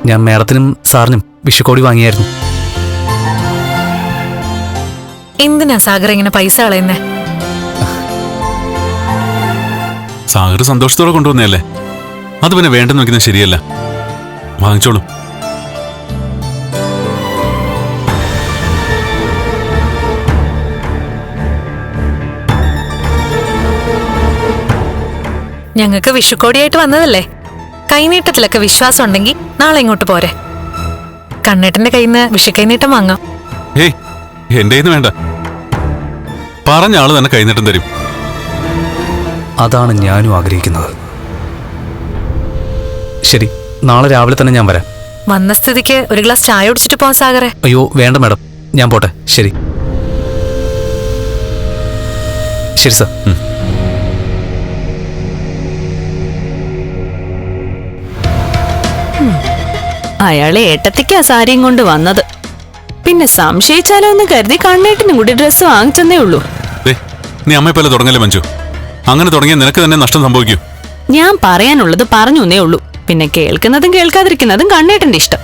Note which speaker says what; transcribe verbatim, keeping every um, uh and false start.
Speaker 1: ഞാൻ മേഡത്തിനും സാറിനും വിഷുക്കോടി വാങ്ങിയായിരുന്നു.
Speaker 2: എന്തിനാ സാഗർ ഇങ്ങനെ പൈസ കളയുന്നേ?
Speaker 3: സാഗർ സന്തോഷത്തോടെ കൊണ്ടുവന്നല്ലേ, അത് പിന്നെ വേണ്ടെന്ന് വെക്കുന്നത് ശരിയല്ല. വാങ്ങിച്ചോളൂ.
Speaker 2: ഞങ്ങൾക്ക് വിഷുക്കോടിയായിട്ട് വന്നതല്ലേ, കൈനീട്ടത്തിലൊക്കെ വിശ്വാസം ഉണ്ടെങ്കിൽ നാളെ ഇങ്ങോട്ട് പോരെ. കണ്ണേട്ടന്റെ കയ്യിൽ നിന്ന് വിഷുക്കൈനീട്ടം വാങ്ങാം.
Speaker 3: ഏയ്, എന്റെ കയ്യിൽ നിന്ന് വേണ്ട, പറഞ്ഞ ആള് തന്നെ കൈനീട്ടം തരും.
Speaker 1: അതാണ് ഞാനും ആഗ്രഹിക്കുന്നത്. ശരി, നാളെ രാവിലെ തന്നെ ഞാൻ വരാം.
Speaker 2: വന്ന സ്ഥിതിക്ക് ഒരു ഗ്ലാസ് ചായ കുടിച്ചിട്ട് പോവാൻ സാഗറെ.
Speaker 1: അയ്യോ വേണ്ട മാഡം, ഞാൻ പോട്ടെ. ശരി ശരി സാർ.
Speaker 4: അയാളെ ഏട്ടത്തിക്കാ സാരിയും കൊണ്ട് വന്നത്. പിന്നെ സംശയിച്ചാലോ എന്ന് കരുതി കണ്ണേട്ടിനും കൂടി ഡ്രസ്സ് വാങ്ങിച്ചെന്നേ ഉള്ളൂ.
Speaker 3: നീ അമ്മയെ പോലെ തുടങ്ങല്ലേ മഞ്ജു, അങ്ങനെ തുടങ്ങിയ നിനക്ക് തന്നെ നഷ്ടം സംഭവിക്കൂ.
Speaker 4: ഞാൻ പറയാനുള്ളത് പറഞ്ഞു എന്നേ ഉള്ളൂ. പിന്നെ കേൾക്കുന്നതും കേൾക്കാതിരിക്കുന്നതും കണ്ണേട്ടന്റെ ഇഷ്ടം.